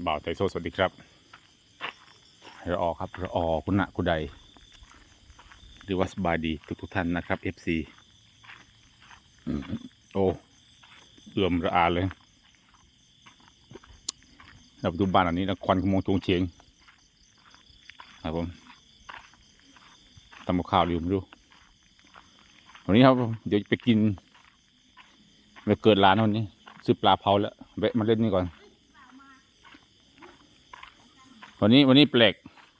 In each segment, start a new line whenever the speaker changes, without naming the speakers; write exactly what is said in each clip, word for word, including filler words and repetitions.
บ่าวไทโซสวัสดีครับเราออครับเราออคุณณะคุณใดหรือว่าสบายดีทุกทุกท่านนะครับ เอฟ ซี โอ้เอื่อมระอาเลยเราไปดูบ้านอันนี้นะควันขโมงจงเฉียงครับผมทำกับข้าวอยู่ไม่รู้วันนี้ครับเดี๋ยวไปกินไปเกิดร้านวันนี้ซื้อปลาเผาแล้วแวะมาเล่นนี่ก่อนวันนี้วันนี้แปลก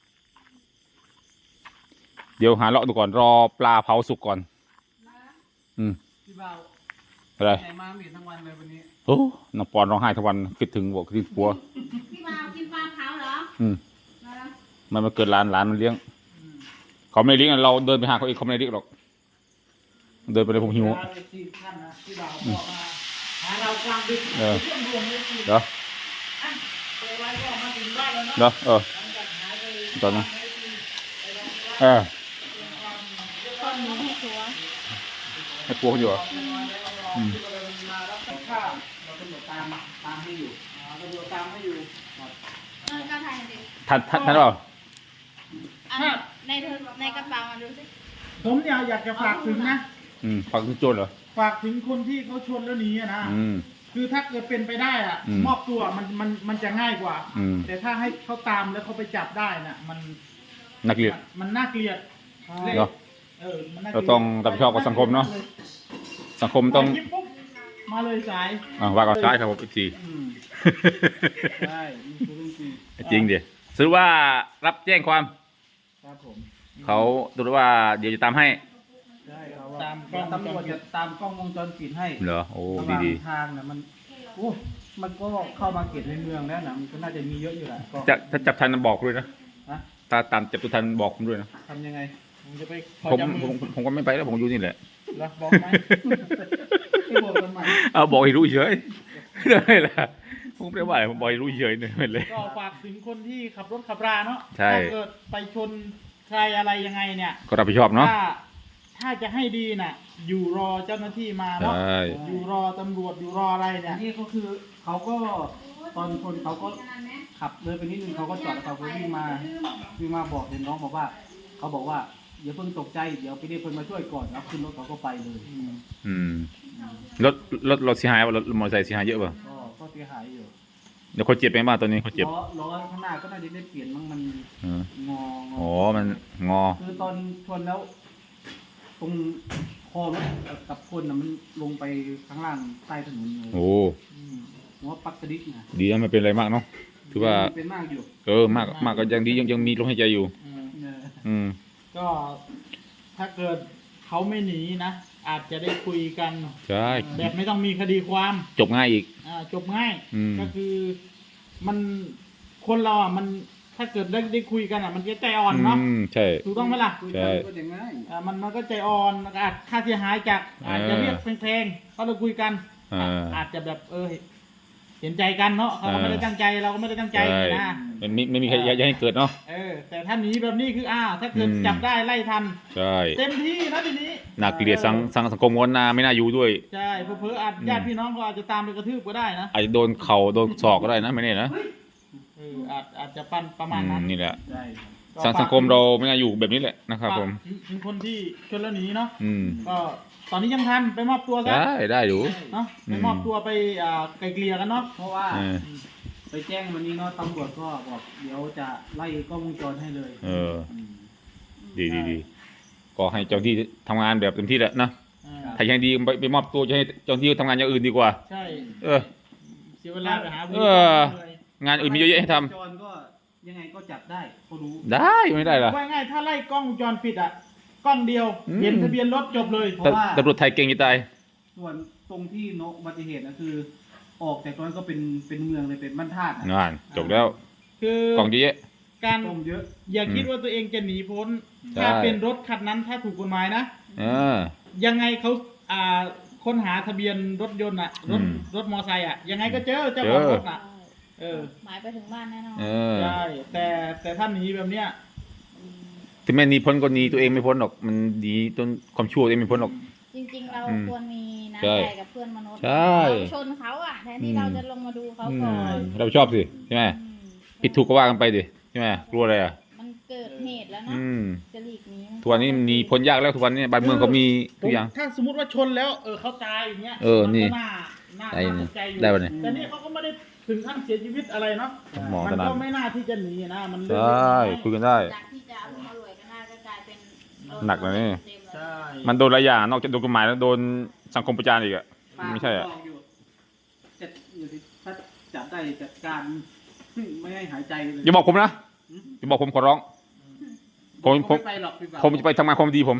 เดี๋ยวหาเลาะดูก่อนรอปลาเผาสุกก่อนอืม
พี่บ่าว
อะไร
ไหนมาไม่เห็นทั้งวันเลยวันนี้
โอ้น้องปอนร้องไห้ทั้งวันคิดถึงบอกคิดถึงผัว
พี่บ่าวกินปลาเผาเหรอ
อืมมันมาเกิดร้านร้านมันเลี้ยงเขาไม่เลี้ยงเราเดินไปหาเขาเองเขาไม่เลี้ยงหรอกเดินไปเลยผมหิว
ที่ท่านนะพี่บ่าวบอกมาหาเรากลางดึก
เออ
เชื่อมรวมเลยสิ
เดี๋ยว
เปิดไว้ก็มาถึงบ้านแล้วเนาะ
เดี๋ยวเออตอนนั้นเออ
ตอนนี้ให้ตัว
ให้ผัวเขาอยู่เหรออืม
มารับข้าวเราตำรวจตามตามให้อยู่ตำรวจตามให้อยู่
เออก็ถ่ายดิ
ทันทันทันเปล่า
อันในเธอในกระเป๋ามาดูสิ
ผมเนี่ยอยากจะฝากถึงนะ
อืมฟังถึงโจรเหรอ
ฝากถึงคนที่เขาชนแล้วหนีอะนะ
อืม
คือถ้าเกิดเป็นไปได้อะ
อืม
มอบตัวมันมันมันจะง่ายกว่า
อืม
แต่ถ้าให้เขาตามแล้วเขาไปจับได้น่ะมัน
นักเรียน
มันน่าเกลียด
เนาะ
เออมันน่าเกลี
เรา
ยด
ต้องรับผิดชอบกับสังคมเนาะสังคมต้อง
ไปคลิปปุ๊บมาเลยสาย
อ่าว่ากันซ้ายครับผมอีกที
อืมใช่นี่คือเรื่องจริง
จริงดิซื้อว่ารับแจ้งความ
ครับผม
เขาดูว่าเดี๋ยวจะตามให้
ใช่ครับตามกล้องตำรวจจะตามกล้องวงจรปิดให้
เหรอโอ้
ระห
ดี
ว่าง
ดี
ทางนะมันโอ้มันก็เข้ามาเขตในเมืองแล้วนะมันก็น่าจะมีเยอะอยู่แหละก็
จะถ้าจับทันบอกด้วยนะ
ฮะ
ถ้าตามจับตัวทันบอกผมด้วยนะ
ทำยังไงผมจะไปขอ
ผม
จับ
ผ
มือ
มผมก็ไม่ไปแล้วผมอยู่นี่แหละ
แล้วบอกไหมไม่บอกทำไม
เอาบอกให้รู้เฉยได้ละผมไม่ได้ว่าอะไรผมบอกให้รู้เฉยเนี่ยเลย
ก็ฝากถึงคนที่ขับรถขับราเนาะ
ใช่
ถ้าเกิดไปชนใครอะไรยังไงเนี่ย
ก็รับผิดชอบเนาะ
ถ้าถ้าจะให้ดีน่ะ อยู่รอเจ้าหน้าที่มาเนาะ
ใช่
อยู่รอตำรวจอยู่รออะไรเนี่ยนี่ก็คือเขาก็ตอนชนเขาก็ขับเลยไปนิดนึงเขาก็จอดแล้วเขาก็วิ่งมาวิ่งมาบอกเห็นน้องบอกว่าเขาบอกว่าอย่าเพิ่งตกใจเดี๋ยวไปเรียกคนมาช่วยก่อนแล้วขึ้นรถเขาก็ไปเลย
อืมรถรถรถเสียหายป่ะรถมอเตอร์ไซค์เสียหายเยอะป่ะ
ก็ก็เสียหายอยู่
เดี๋ยวคนเจ็บไปบ้างตอนนี้คนเจ็บ
ล้อล้อข้างหน้าก็น่าจะได้เปลี่ยนมั้งมัน
เออง
อง
อ๋อมันงอ
คือตอนชนแล้ว ตรงคอรถกับคนน่ะมันลงไปข้างล่างใต้ถนนเลย
โอ้
อืมหัวปักกระดิกนะ
ดีนะไม่เป็นอะไรมากเนาะถือว่า
เป็นมากอยู่
เออมากมากก็ยังดียังยังมีลมหายใจอยู่
เออเออ
อืม
ก็ถ้าเกิดเขาไม่หนีนะอาจจะได้คุยกัน
ใช่
แบบไม่ต้องมีคดีความ
จบง่ายอีก
อ่าจบง่าย
อืม
ก็คือมันคนเราอ่ะมันถ้าเกิดได้ได้คุยกันอ่ะ มันจะใจอ่อนเนาะ
อืมใช่
ถูกต้องไหมล่ะ
ใช่
ก็จะง่ายอ่ามันมันก็ใจอ่อนแล้วก็อาจค่าเสียหายจากอาจจะเรียกแพงๆเขาเราคุยกัน
อ่า
อาจจะแบบเออเห็นใจกันเนาะเขาก็ไม่ได้ตั้งใจเราก็ไม่ได้ตั้งใจ
ใช่
นะ
มันไม่ไม่มีใครอยากให้เกิดเนาะ
เออ แต่ถ้าหนีแบบนี้คืออ้าวถ้าเกิด
อืม
จับได้ไล่ทัน
ใช่
เต็มที่นะทีนี้
น่าเกลียดสังสังสังคมวนนาไม่น่าอยู่ด้วย
ใช่เพื่อๆอาจ
อืม
ญาติพี่น้องก็อาจจะตามไปกระทืบก็ได้นะ
อาจจะโดนเข่าโดนศอกก็ได้นะไม่แน่นะ
เอออาจอาจจะปั้นประมาณ
อืม
นั้น
นี่แหละ
ใช่
สังสังคมเราไม่น่าอยู่แบบนี้แหละนะครับผม
ถึงคนที่ชนแล้วหนีเนาะ
อืม
ก็ตอนนี้ยังทันไปมอบตัวซะ
ได้ได้อยู่
เนาะไปมอบตัวไปอ่าไกลเกลี่ยกันเนาะเพราะว่า
เออ
ไปแจ้งวันนี้เนาะตำรวจก็บอกเดี๋ยวจะไล่กล้องวงจรให้เลย
เออ
อืม
ดีดีดีก็ให้เจ้าหน้าที่ทำงานแบบเต็มที่แหละนะ
อ่า
ถ้ายังดีไปไปมอบตัวจะให้เจ้าหน้าที่ทำงานอย่างอื่นดีกว่า
ใช่
เออ
เสียเวลาไปหาวิ
เอ
ธี
อ
เลย
งานอื่นมีเยอะแยะให้ทำ
จรก็ยังไงก็จับได้ก็รู้
ได้ไม่ได้เหรอ
ว่าง่ายถ้าไล่กล้องวงจรปิดอ่ะกล้องเดียว
อืม
เห็นทะเบียนรถจบเลยเพราะ
แต่
ว่า
ตำรวจไทยเก่งจะตาย
ส่วนตรงที่โนอุบัติเหตุนะคือ ออกจากตรงนั้นก็เป็นเป็นเมืองเลยเป็นบ้านธาตุ
งานจบแล้ว
คือก
ล่องเยอะแยะ
การเยอะ อย่าคิด
อืม
ว่าตัวเองจะหนีพ้น
ใช่
ถ้าเป็นรถคันนั้นถ้าถูกกฎหมายนะ
เออ
ยังไงเขาอ่าค้นหาทะเบียนรถยนต์อ่ะรถ
อืม
รถมอไซค์อ่ะยังไงก็เจอเจ้าของ
เจอ
รถอ่ะ เออ
หมายไปถึงบ้านแน่นอน
เออ
ใช่แต่แต่ถ้าหนีแบบเนี้ย
ถึงแม้หนีพ้นก็หนีตัวเองไม่พ้นหรอกมันหนีจนความชั่วตัวเองไม่พ้นหรอก
จริงๆเรา
อืม
ควรมี
ใช่
น้ำใจกับเพื่อนมนุษย์
ใช่
เราชนเขาอ่ะแทนที่เราจะลงมาดูเขา
อื
ก่อ
ม
น
เราชอบสิใช่ไหม
อืม
ผิดถูกก็ว่ากันไปดิใช่ไหมกลัวอะไรอ่ะ
มันเกิดเหตุแล้วเนาะ
อืม
จะหลีกหนี้
ทุกวันนี้มีพ้นยากแล้วทุกวันนี้บ้านเมืองเขามีทุกอย่าง
ถ้าสมมติว่าชนแล้วเออเขาตายอย่างเงี้ย
เออนี่
มัก็น่าน่า
ได้
น่าสนใจอยู่
ได้ปะเนี่ย
แต่นี่เขาก็ไม่ได้ถึงขั้นเสียชีวิตอะไรเนาะ
หมอ
มั
ตอนนั้น
ก็ไม่น่าที่จะหนีนะมัน
ใช
เรื่องเล็ก่ น้อย
คุยกันได้
จากที่จะเอาลูกมารวยก็น่าจะกลายเป็นโด
หนักเลยนี่
เต็มๆ
ใช่
มันโดนหลายอย่างนอกจากโดนกฎหมายแล้วโดนสังคมประจานอีกอ่ะ ไม่ใช่อะ
ป้าก็บอกยู่จะอยู่ที่ถ้าจับได้จัดการไม่ให้หายใจเลย
อย่าบอกผมนะอย่าบอกผมขอร้อง ผมผม
ไไปหรอกพี่บ่าว
ผมจะไปทำงานความดีผม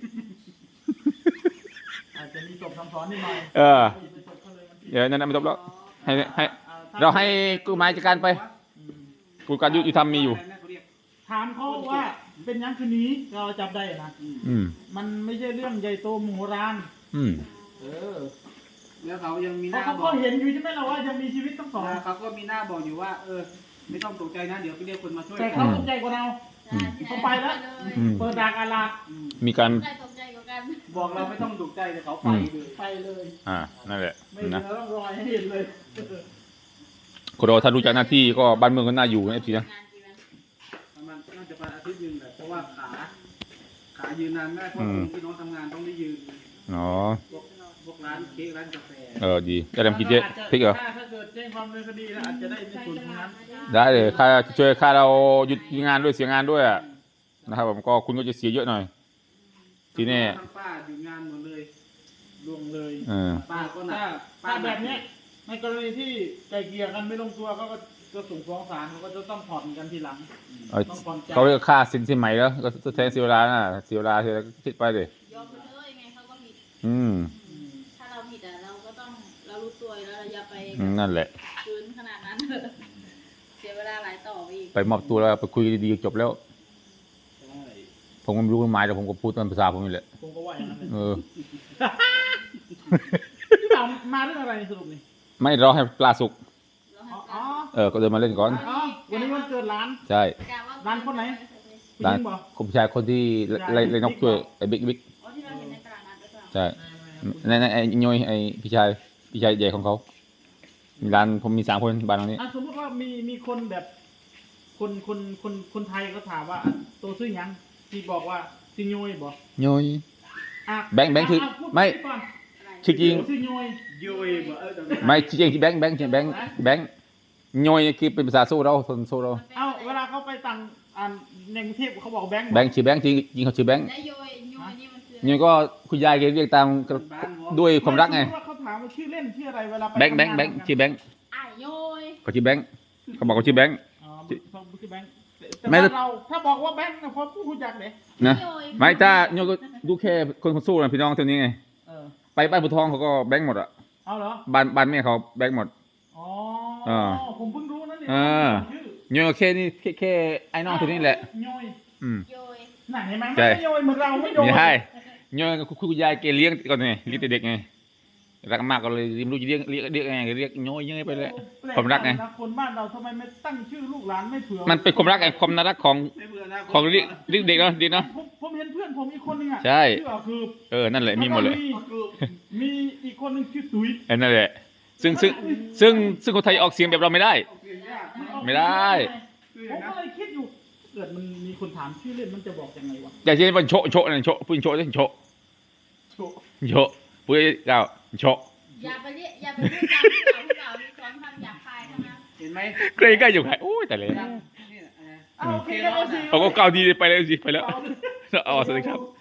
อาจจะมีจบคำสอนนิดหน่อย
เออ
ไปจบเขาเลยมันผิด
เดี๋ยวนั่นๆไม่จบแล้ว ให้ให้
อ่ถ้
เราให้กฎหมายจัดการไป
อืม
กฎการยุติธรรมมีอยู่
ถามเขาว่าเป็นยังคืนนี้เราจับได้นะ
อืม
มันไม่ใช่เรื่องใหญ่โตมโหฬาร
อืม
เออ
แล้วเขายังมีห
เพราะ
น้า
เขา
บ
ก็
อก
เห็นอยู่ใช่ไหมล่ะว่ายังมีชีวิตทั้งสอง
เขาก็มีหน้าบอกอยู่ว่า เออ ไม่ต้องตกใจนะ เดี๋ยวไปเรียกคนมาช่วย
แต่เขาตกใจกว่าเรา
ใช่ที่หน
เขาไปแล้ว
อืม
เปิดดากอาลาด
อืม
มีการ
ใครตกใจกว่ากัน
บอกเราไม่ต้องตกใจแต่เขาไป
อืม
เลย
ไปเลย
อ่า นั่นแหละ
ไม่เหลื
นะ
อร่องรอยให้เห็นเลย
คนเราถ้ารู้จักหน้าที่ก็บ้านเมืองก็น่าอยู่นะเอฟซีนะ
งานกี่วัน
ประมาณน่าจะประมาณอาทิตย์หนึงแหละเพราะว่าขา ขายืนนานไม่ได้เพราะ
อืม
พี่น้องทำงานต้องได้ยืน
อ๋อ
พวกพวกร้านเค้กร้านกาแฟ
เออ ดีจะทำกินเยอะพริกเหรอ
ถ้าถ้าเกิดแจ้งความดำเนินคดีแล้วอาจจะได้ในส่วนตรงนั้น
ได้เลยค่าช่วยค่าเราหยุดงานด้วยเสียงานด้วยอ่ะนะครับผมก็คุณก็จะเสียเยอะหน่อย ทีนี้
ทั้งป้าหยุดงานหมดเลย
ล่วงเลย
เออ
ป้าก็หนั
ถ้าก ถ้าแบบเนี้ยในกรณีที่ไกลเกลี่ยกันไม่ลงตัวเขาก็จะส่งฟ้องศาลเขาก็จะต้องผ่อนกันทีหลัง
เออ
ต้องผ่อนจ่าย
เขาเรียกค่าสินสินใหม่แล้วก็แทนเสียเวลาน่ะเสียเวลาเสียก็คิดไปเลย
ยอมไปเลยยังไงเขาก็ผิด
อืม
อืม
ถ้าเราผิดอ่ะเราก็ต้องเรารู้ตัวแล้วเราอย่าไป
อืมนั่นแหละ
ฟื้นขนาดนั้น เสียเวลาหลายต่อไปอีก
ไปมอบตัวแล้วไปคุยดีๆจบแล้ว
ใช่
ผมก็ไม่รู้กฎหมายแต่ผมก็พูดตามภาษาผมนี่แหละ
ผมก็ว่าอย่างนั้นเลย
เออ
พี่บ่าวมาเรื่องอะไรสรุปนี่
ไม่รอให้ปลาสุก
เรา
อ๋อ
ให้
อ๋อ
เออ ก็เดินมาเล่นก่อน
อ๋อวันนี้วันเกิดร้าน
ใช่
กะว่า
ร้านคนไหน ผู้ห
ร้าน
ญิงบอก
คุณผู้ชายคนที่ไล่ไล่นกช่วยไอ้บิ๊กบิ๊ก
อ๋อที่เราเห็นในตลาดนัดหรือเปล่า
ใช่ในในไอ้ย้อยไอ้พี่ชายพี่ชายใหญ่ของเขามีร้านผมมีสามคนบ้านตรงนี้
อ่ะสมมติว่ามีมีคนแบบ คนคนคนคนไทยก็ถามว่าอ่ะตัวซื้อหยังที่บอกว่าซิโยยบอก
ย้อย
อ่ะ
แบงค์แบงค์คือ
อ่ะพูด
ไม่
ก่อน
อะไร
ชื่อจริง
ซิโยย
ยุยบอกเออแต่
ไม่ชื่อจริงที่แบงค์แบงค์ชื่อแบงค์แบงค์ย้อยนี่คือเป็นภาษาสู้เราคนสู้เรา
เอาเวลาเขาไปต่างอ่านในกรุงเทพเขาบอกแบงค์
แบงค์ชื่อแบงค์จริงจริงเขาชื่อแบงค์
และโยยโยยนี่มันคือ
ย้อยก็คุณยายแกเรียกตามด้วยความรักไง
สมมุติว่าเขาถามว่าชื่อเล่นชื่ออะไรเวลาไป
แบงค์แบงค์แบงค์ชื่อแบงค์
อ่ะโยย
เขาชื่อแบงค์เขาบอกเขาชื่อแบงค์
อ๋อเขาชื่อแบงค์แต่
ไม่
ว่าเราถ้าบอกว่าแบงค์นะพอผู้รู้จักเลย
นะ
โยย
ไม่ถ้าย้อยก็ดูแค่คนคนสู้นะพี่น้องเท่านี้ไง
เออ
ไปบ้านผู้ทองเขาก็แบงค์หมดอะ
เอาเหรอ
บ้านบ้านแม่เขาแบงค์หมด
อ๋อ
อ่า
ผมเพิ่งรู้นะเนี่ย
อ่า
ชื่อ
ย้อยก็แค่นี้แค่แค่ไอ้น้องเท่านี้แหละ
โยย
อืม
โยย
น่ะเห็นไหม
ใช่
ไม่โยยเหมือนเราไม่โยย
ไม่ใช่ย้อยก็คุณคุณยายแกเลี้ยงก่อนไงเลี้ยงแต่เด็กไงรักมากก็เลยไม่รู้จะเรียกเรียกเรียกยังไงเรียกย้อยยังไงไปเลย
แปล
ความรักไง
นะคนบ้านเราทำไมไม่ตั้งชื่อลูกหลานไม่เผื่อ
มันเป็นความรักไงความน่ารักของ
ไม่เบื่อนะ
ของเรียกเรียกเด็กเนาะดีเนาะ
ผมผมเห็นเพื่อนผมอีกคนนึงอ่ะ
ใช่
ชื่อคือ
เออนั่นแหละมีหมดเลย
แวก็มีอีกคนนึงชื่อตุ้ย
เออนั่นแหละซึ่งซึ่งซึ่งซึ่งคนไทยออกเสียงแบบเราไม่ได้
ออกเสียงยาก
ไม่ได้
คือ
ผม
นะ
ก็เลยคิดอยู่เกิดมันมีคนถามชื่อเล่นมันจะบอกยังไงวะ
แต่ที่มันโชะโชะนั่นโชะพูดโชะสิโชะ
โชว์
โชะพูดก้าวโชะ
อย่าไปเรียกอย่าไปพูดตามผู้เก่าผู้เก่ามีสอนคำหยาบคายทั้งนั้น
เห็นไหม
ใกล้ใกล้อยู่ไหนโอ้ยแต่เลย
นี่นะอะไร
เอาโอเคแล้วสิ
เอาก็ก้าวดีไปเลยสิไปแล้ว
เอา
อ๋อสวัสดีครับ